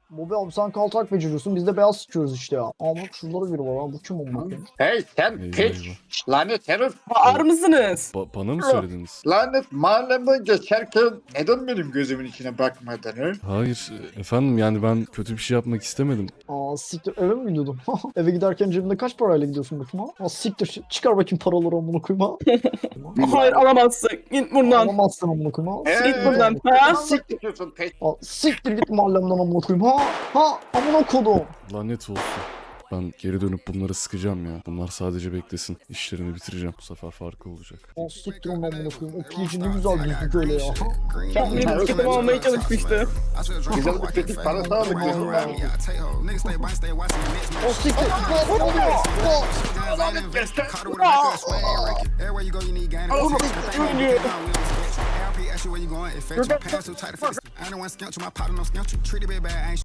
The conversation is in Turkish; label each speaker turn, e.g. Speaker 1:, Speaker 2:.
Speaker 1: Bobi abi sen kaltak beceriyorsun biz de beyaz sıçıyoruz işte ya. Aa bak şurada biri var ha bu kim olmak ya?
Speaker 2: Hey sen
Speaker 3: Eyvah,
Speaker 2: piç. Lanet herif.
Speaker 4: Bağır mısınız?
Speaker 3: Bana mı söylediniz?
Speaker 2: Lanet mahalleme geçerken neden benim gözümün içine bakmadın he?
Speaker 3: Hayır efendim, yani ben kötü bir şey yapmak istemedim.
Speaker 1: Aa siktir eve mi gidiyordun? Eve giderken cebinde kaç parayla gidiyorsun bakayım ha? Aa siktir çıkar bakayım paraları amına koyayım ha.
Speaker 4: Hayır alamazsın. Git buradan.
Speaker 1: Alamazsın amına koyayım ha.
Speaker 4: Git buradan. Ha?
Speaker 2: Siktir piç.
Speaker 1: Aa, siktir git mahallemden amına koyayım ha. Ha amına kodum.
Speaker 3: Lanet olsun. Ben geri dönüp bunları sıkacağım ya. Bunlar sadece beklesin. İşlerini bitireceğim. Bu sefer farkı olacak.
Speaker 1: Aa siktir onu amına koyayım. O piyici ne güzel düzdük öyle ya.
Speaker 4: Kendini tutum almaya çalışmıştı.
Speaker 2: Güzel bir tetik parası aldık diyorsun ben.
Speaker 1: O siktir. Aa, ne oluyor? Aa.
Speaker 2: Lanet göster.
Speaker 4: Ölüyor.